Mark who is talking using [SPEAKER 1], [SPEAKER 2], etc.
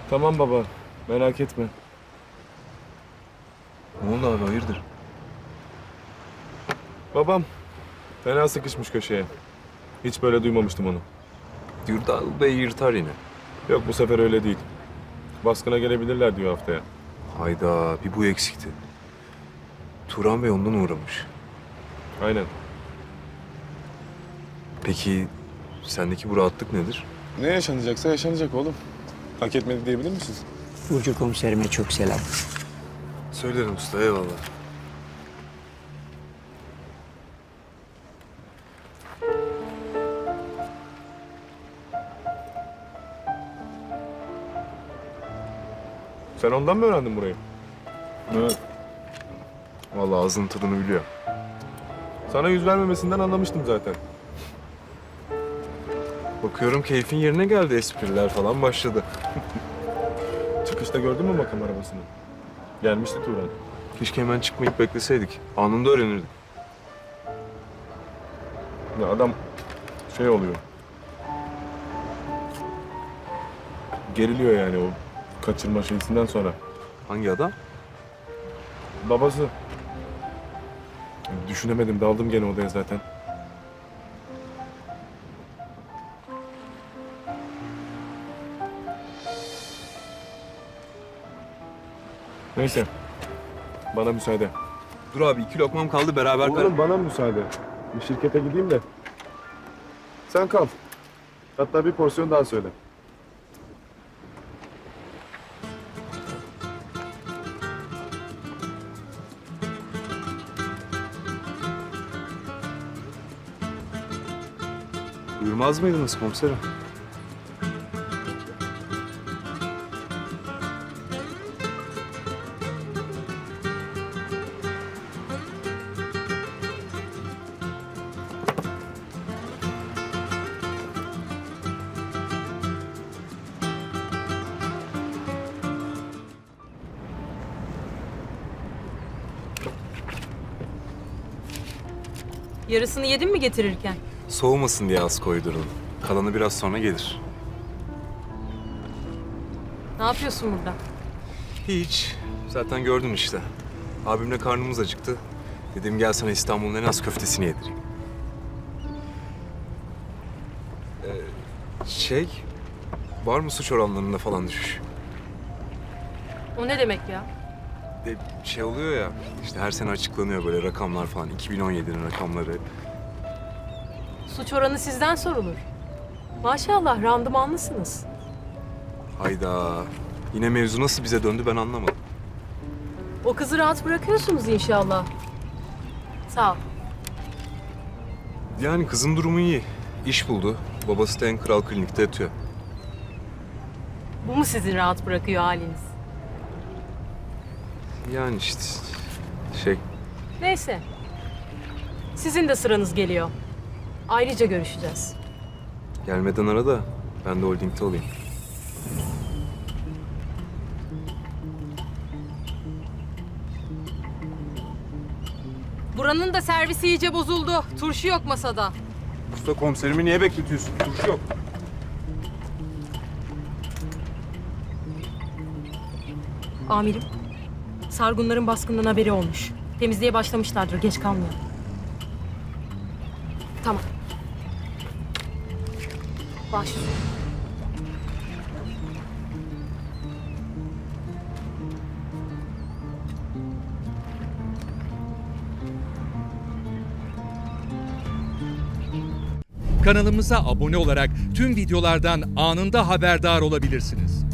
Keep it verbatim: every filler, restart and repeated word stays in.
[SPEAKER 1] Tamam baba, merak etme.
[SPEAKER 2] Ne oldu abi, hayırdır?
[SPEAKER 1] Babam fena sıkışmış köşeye. Hiç böyle duymamıştım onu.
[SPEAKER 2] Dürdal Bey yırtar yine.
[SPEAKER 1] Yok, bu sefer öyle değil. Baskına gelebilirler diyor haftaya.
[SPEAKER 2] Hayda, bir bu eksikti. Turan Bey ondan uğramış.
[SPEAKER 1] Aynen.
[SPEAKER 2] Peki sendeki bu rahatlık nedir?
[SPEAKER 1] Ne yaşanacaksa yaşanacak oğlum. Hak etmedi diyebilir misiniz?
[SPEAKER 3] Burcu komiserime çok selam.
[SPEAKER 2] Söylerim usta, eyvallah.
[SPEAKER 1] Sen ondan mı öğrendin burayı?
[SPEAKER 2] Evet. Vallahi ağzının tadını biliyor.
[SPEAKER 1] Sana yüz vermemesinden anlamıştım zaten.
[SPEAKER 2] Bakıyorum keyfin yerine geldi, espriler falan başladı.
[SPEAKER 1] Çıkışta gördün mü makam arabasını? Gelmişti Turan.
[SPEAKER 2] Keşke hemen çıkmayıp bekleseydik. Anında öğrenirdik.
[SPEAKER 1] Ya adam şey oluyor. Geriliyor yani o kaçırma şeysinden sonra.
[SPEAKER 2] Hangi adam?
[SPEAKER 1] Babası. Düşünemedim, daldım gene odaya zaten. Neyse. Bana müsaade.
[SPEAKER 2] Dur abi, iki lokmam kaldı, beraber kar-
[SPEAKER 1] Oğlum bana müsaade. Bir şirkete gideyim de. Sen kal. Hatta bir porsiyon daha söyle.
[SPEAKER 2] Buyurmaz mıydınız komiserim?
[SPEAKER 4] Yarısını yedin mi getirirken?
[SPEAKER 2] Soğumasın diye az koydurun. Kalanı biraz sonra gelir.
[SPEAKER 4] Ne yapıyorsun burada?
[SPEAKER 2] Hiç. Zaten gördün işte. Abimle karnımız acıktı. Dedim gel sana İstanbul'un en az köftesini yedireyim. Ee, şey, var mı suç oranlarında falan düşüş?
[SPEAKER 4] O ne demek ya?
[SPEAKER 2] E, şey oluyor ya, işte her sene açıklanıyor böyle rakamlar falan. iki bin on yedinin rakamları.
[SPEAKER 4] Suç oranı sizden sorulur. Maşallah randımanlısınız.
[SPEAKER 2] Hayda. Yine mevzu nasıl bize döndü ben anlamadım.
[SPEAKER 4] O kızı rahat bırakıyorsunuz inşallah. Sağ ol.
[SPEAKER 2] Yani kızın durumu iyi. İş buldu. Babası da en kral klinikte yatıyor.
[SPEAKER 4] Bu mu sizi rahat bırakıyor haliniz?
[SPEAKER 2] Yani işte şey,
[SPEAKER 4] Neyse. Sizin de sıranız geliyor. Ayrıca görüşeceğiz.
[SPEAKER 2] gelmeden ara da ben de holdingde olayım.
[SPEAKER 4] Buranın da servisi iyice bozuldu. Turşu yok masada.
[SPEAKER 2] Usta komiserimi niye bekletiyorsun? Turşu yok.
[SPEAKER 4] Amirim, Sargunların baskından haberi olmuş. Temizliğe başlamışlardır, geç kalmayalım. Tamam. Baş.
[SPEAKER 5] Kanalımıza abone olarak tüm videolardan anında haberdar olabilirsiniz.